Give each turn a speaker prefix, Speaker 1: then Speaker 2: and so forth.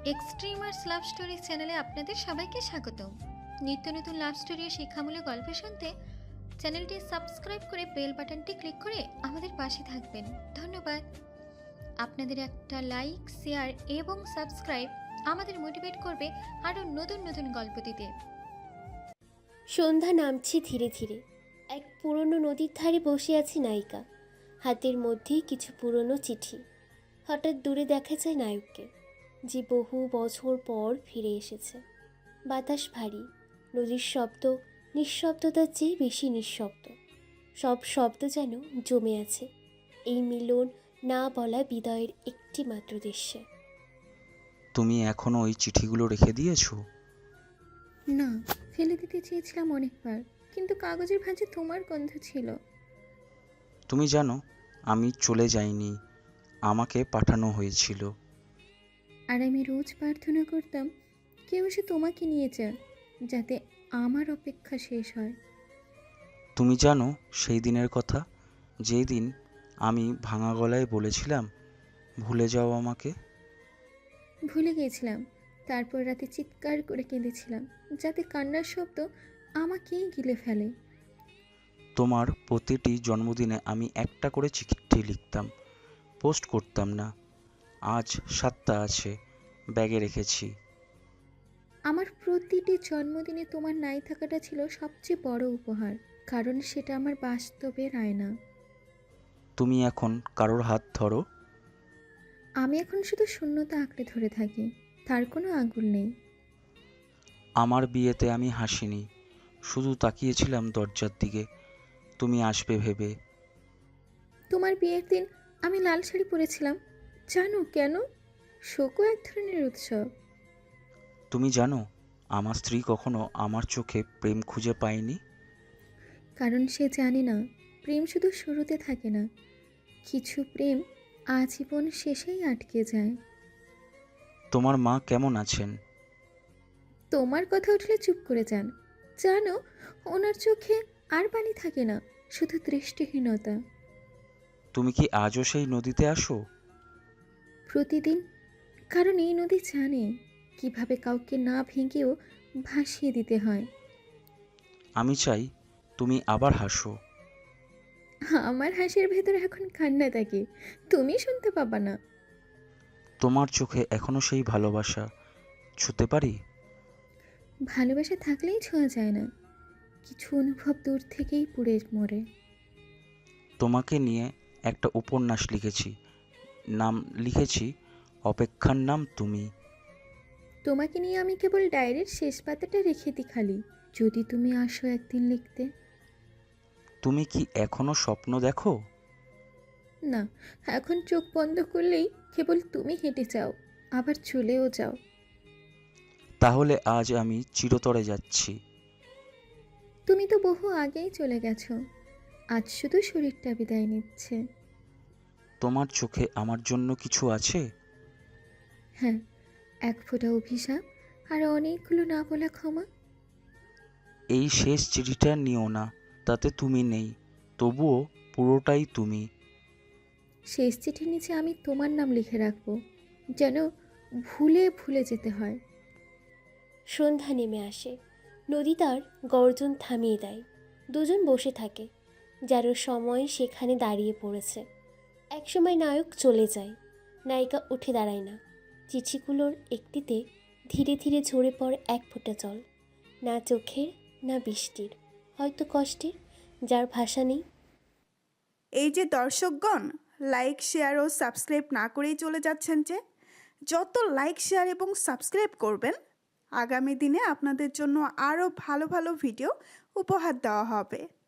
Speaker 1: Extremers love story চ্যানেলে আপনাদের সবাইকে স্বাগত। নিত্য নতুন লাভ স্টোরি ও শিক্ষামূলক গল্প শুনতে চ্যানেলটি সাবস্ক্রাইব করে বেল বাটনটি ক্লিক করে আমাদের পাশে থাকবেন। ধন্যবাদ। আপনাদের একটা লাইক, শেয়ার এবং সাবস্ক্রাইব আমাদের মোটিভেট করবে আরও নতুন নতুন গল্প দিতে।
Speaker 2: সন্ধ্যা নামছে ধীরে ধীরে। এক পুরনো নদীর ধারে বসে আছে নায়িকা, হাতের মধ্যে কিছু পুরনো চিঠি। হঠাৎ দূরে দেখা যায় নায়ককে, যে বহু বছর পর ফিরে এসেছে। বাতাস ভারী, নদীর শব্দ নিঃশব্দতার চেয়ে বেশি নিঃশব্দ। সব শব্দ যেন জমে আছে এই মিলন না বলা বিদায়ের একটি মাত্র দৃশ্যে।
Speaker 3: তুমি এখনো ওই চিঠিগুলো রেখে দিয়েছো?
Speaker 1: না, ফেলে দিতে চেয়েছিলাম অনেকবার, কিন্তু কাগজের ভাঁজে তোমার গন্ধ ছিল।
Speaker 3: তুমি জানো, আমি চলে যাইনি, আমাকে পাঠানো হয়েছিল।
Speaker 1: আর আমি রোজ প্রার্থনা করতাম কেউ এসে তোমাকে নিয়ে যাক, যাতে আমার অপেক্ষা শেষ হয়।
Speaker 3: তুমি জানো সেই দিনের কথা, যেই দিন আমি ভাঙা গলায় বলেছিলাম ভুলে যাও আমাকে?
Speaker 1: ভুলে গিয়েছিলাম, তারপর রাতে চিৎকার করে কেঁদেছিলাম, যাতে কান্নার শব্দ আমাকেই গিলে ফেলে।
Speaker 3: তোমার প্রতিটি জন্মদিনে আমি একটা করে চিঠি লিখতাম, পোস্ট করতাম না। আজ 7টা আছে, ব্যাগে রেখেছি।
Speaker 1: আমার প্রতিটি জন্মদিনে তোমার নাই থাকাটা ছিল সবচেয়ে বড় উপহার, কারণ সেটা আমার বাস্তবের আয়না।
Speaker 3: তুমি এখন কারোর হাত ধরো?
Speaker 1: আমি এখন শুধু শূন্যতা আঁকড়ে ধরে থাকি, তার কোনো আঙুল নেই।
Speaker 3: আমার বিয়েতে আমি হাসিনি, শুধু তাকিয়েছিলাম দরজার দিকে, তুমি আসবে ভেবে।
Speaker 1: তোমার বিয়ের দিন আমি লাল শাড়ি পরেছিলাম, জানো কেন? শোকও এক ধরনের উৎসব।
Speaker 3: তুমি জানো, আমার স্ত্রী কখনো আমার চোখে প্রেম খুঁজে পায়নি।
Speaker 1: কারণ সে জানে না, প্রেম শুধু শুরুতে থাকে না, কিছু প্রেম আজীবন শেষেই আটকে যায়।
Speaker 3: তোমার মা কেমন আছেন?
Speaker 1: তোমার কথা উঠলে চুপ করে যান। জানো, ওনার চোখে আর পানি থাকে না, শুধু দৃষ্টিহীনতা।
Speaker 3: তুমি কি আজও সেই নদীতে আসো?
Speaker 1: প্রতিদিন, কারণ এই নদী জানে কিভাবে কাউকে না ভেঙেও ভাসিয়ে দিতে হয়।
Speaker 3: আমি চাই তুমি আবার হাসো।
Speaker 1: আমার হাসির ভেতরে এখন কান্না থাকে, তুমি শুনতে পাবা না।
Speaker 3: তোমার চোখে এখনো সেই ভালোবাসা ছুঁতে পারি?
Speaker 1: ভালোবাসা থাকলেই ছোঁয়া যায় না, কিছু অনুভব দূর থেকেই পুড়ে মরে।
Speaker 3: তোমাকে নিয়ে একটা উপন্যাস লিখেছি, নাম লিখেছি অপেক্ষার নাম তুমি।
Speaker 1: তোমাকে নিয়ে আমি কেবল ডায়েরির শেষ পাতাটা রেখে দিই খালি, যদি তুমি আসো একদিন লিখতে।
Speaker 3: তুমি কি এখনো স্বপ্ন দেখো?
Speaker 1: না, এখন চোখ বন্ধ করলেই কেবল তুমি হেঁটে যাও, আবার চলেও যাও।
Speaker 3: তাহলে আজ আমি চিরতরে যাচ্ছি।
Speaker 1: তুমি তো বহু আগেই চলে গেছো, আজ শুধু শরীরটা বিদায় নিচ্ছে।
Speaker 3: তোমার চোখে আমার জন্য কিছু আছে?
Speaker 1: হ্যাঁ, এক ফোঁটা অভিশাপ আর অনেকগুলো না বলা ক্ষমা।
Speaker 3: এই শেষ চিঠিটা নিও না, তাতে তুমি নেই, তবুও পুরোটাই তুমি।
Speaker 1: শেষ চিঠির নিচে আমি তোমার নাম লিখে রাখবো, যেন ভুলে ভুলে যেতে হয়।
Speaker 2: সন্ধ্যা নেমে আসে, নদী তার গর্জন থামিয়ে দেয়। দুজন বসে থাকে, যার সময় সেখানে দাঁড়িয়ে পড়েছে। একসময় নায়ক চলে যায়, নায়িকা উঠে দাঁড়ায় না। চিঠিগুলোর একটিতে ধীরে ধীরে ঝরে পড়ে এক ফোঁটা জল, না চোখের না বৃষ্টির, হয়তো কষ্টের, যার ভাষা নেই।
Speaker 4: এই যে দর্শকগণ, লাইক শেয়ার ও সাবস্ক্রাইব না করেই চলে যাচ্ছেন যে, যত লাইক শেয়ার এবং সাবস্ক্রাইব করবেন, আগামী দিনে আপনাদের জন্য আরও ভালো ভালো ভিডিও উপহার দেওয়া হবে।